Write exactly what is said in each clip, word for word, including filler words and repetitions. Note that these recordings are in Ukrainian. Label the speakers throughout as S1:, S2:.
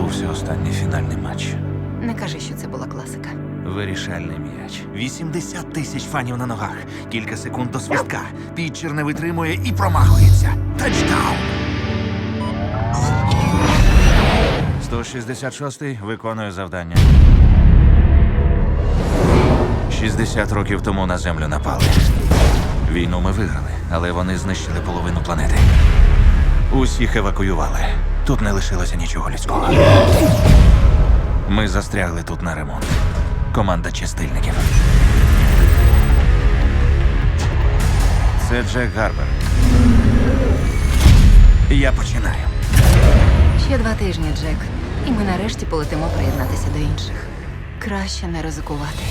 S1: відбувся останній фінальний матч.
S2: Не кажи, що це була класика.
S1: Вирішальний м'яч. вісімдесят тисяч фанів на ногах. Кілька секунд до свистка. Пітчер не витримує і промахується. Тачдаун! сто шістдесят шостий виконує завдання. шістдесят років тому на землю напали. Війну ми виграли, але вони знищили половину планети. Усіх евакуювали. Тут не лишилося нічого людського. Ми застрягли тут на ремонт. Команда чистильників. Це Джек Гарбер. Я починаю.
S2: Ще два тижні, Джек, і ми нарешті полетимо приєднатися до інших. Краще не ризикувати.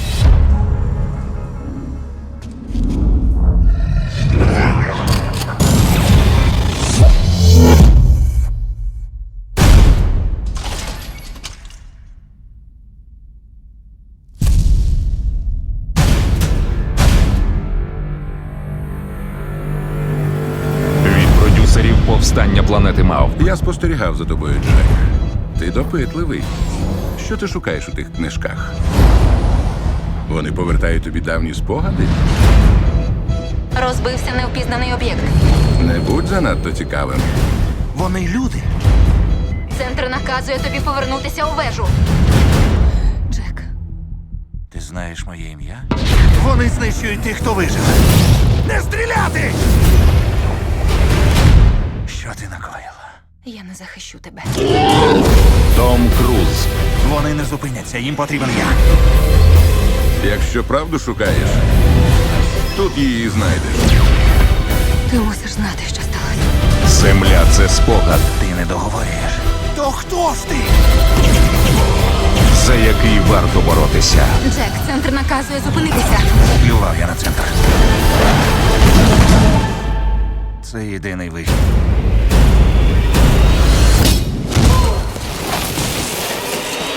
S3: Від продюсерів «Повстання планети Мавп».
S4: Я спостерігав за тобою, Джек. Ти допитливий. Що ти шукаєш у тих книжках? Вони повертають тобі давні спогади?
S2: Розбився невпізнаний об'єкт.
S4: Не будь занадто цікавим.
S1: Вони люди.
S2: Центр наказує тобі повернутися у вежу. Джек,
S1: Ти знаєш моє ім'я? Вони знищують тих, хто вижив. Не стріляти! Що ти накоїла?
S2: я не захищу тебе.
S3: Том Круз.
S1: Вони не зупиняться, їм потрібен я.
S4: Якщо правду шукаєш, тут її знайдеш.
S2: Ти мусиш знати, що сталося.
S3: Земля – це спогад,
S1: Ти не договорюєш. То хто ж ти?
S3: за який варто боротися.
S2: Джек, центр наказує зупинитися.
S1: Плював я на центр. Це єдиний вихід.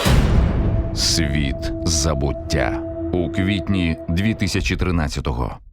S3: Світ забуття. У квітні дві тисячі тринадцятого.